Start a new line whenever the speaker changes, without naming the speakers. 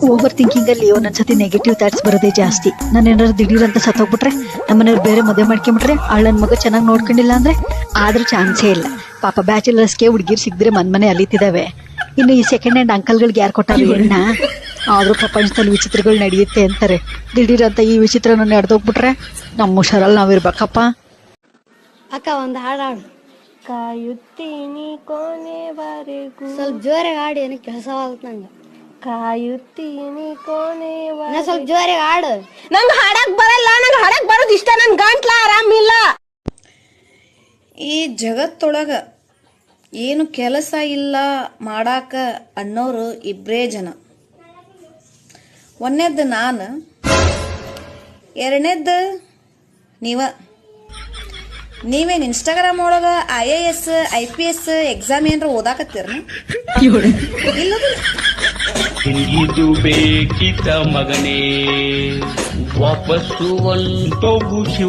Over thinking ಅಲ್ಲಿ ಒಂದೊಂದ್ಸತಿ negative thoughts ಬರೋದೇ ಜಾಸ್ತಿ. ನಾನು ಏನಾದ್ರು ದಿಢೀರ್ ಅಂತ ಸತ್ತೋಗ್ಬಿಟ್ರೆ, ನಮ್ಮನೆಯವ್ರು ಬೇರೆ ಮದುವೆ ಮಾಡ್ಕೊಂಬಿಟ್ರೆ, ನನ್ ಮಗ ಚೆನ್ನಾಗಿ ನೋಡ್ಕೊಂಡಿಲ್ಲ ಅಂದ್ರೆ ಆದ್ರೂ ಚಾನ್ಸೇ ಇಲ್ಲ. ಪಾಪ ಬ್ಯಾಚುಲರ್ಸ್ಗೆ ಹುಡುಗಿರ್ ಸಿಗದ್ರೆ ಮನೆ ಅಲಿತಿದಾವೆ. ಇನ್ನು ಈ ಸೆಕೆಂಡ್ ಹ್ಯಾಂಡ್ ಅಂಕಲ್ಗಳಿಗೆ ಯಾರು ಕೊಟ್ಟಾರ ಹೆಣ್ಣ? ಆದ್ರೂ ಪ್ರಪಂಚದಲ್ಲಿ ವಿಚಿತ್ರಗಳು ನಡೆಯುತ್ತೆ ಅಂತಾರೆ. ದಿಢೀರ್ ಅಂತ ಈ ವಿಚಿತ್ರನ ನಡೆದೋಗ್ಬಿಟ್ರೆ ನಮ್ಮ ಹುಷಾರಲ್ಲಿ ನಾವಿರ್ಬೇಕಪ್ಪ.
ಅಕ್ಕ ಒಂದು ಹಾಡಾಡು. ಕಾಯುತ್ತೀನಿ ಕೊನೆವರೆಗೂ. ಸ್ವಲ್ಪ ಜೋರಾಗಿ ಹಾಡಿ, ಏನಕ್ಕೆ ಕೆಲಸವಾಗುತ್ತೆ ನಂಗೆ. ಕಾಯುತ್ತೀನಿ ಕೊನೆವರೆಗೂ. ಸ್ವಲ್ಪ ಜೋರಾಗಿ ಹಾಡು.
ನಂಗೆ ಹಾಡಕ್ ಬರಲ್ಲ, ನಂಗೆ ಹಾಡಕ್ ಬರೋದು ಇಷ್ಟ. ನನ್ ಗಂಟ್ಲ ಆರಾಮಿಲ್ಲ.
ಈ ಜಗತ್ತೊಳಗ ಏನು ಕೆಲಸ ಇಲ್ಲ ಮಾಡಾಕ ಅನ್ನೋರು ಇಬ್ಬರೇ ಜನ. ಒಂದನೇದ್ದು ನಾನು, ಎರಡನೇದ್ದು ನೀವೇನು ಇನ್ಸ್ಟಾಗ್ರಾಮ್ ಒಳಗ IAS IPS ಎಕ್ಸಾಮ್ ಏನಾರ ಓದಾಕತ್ತೀರ?
ಇದು ಬೇಕಿತ ಮಗನೇ ವಾಪಸ್ಸು ಒಂದು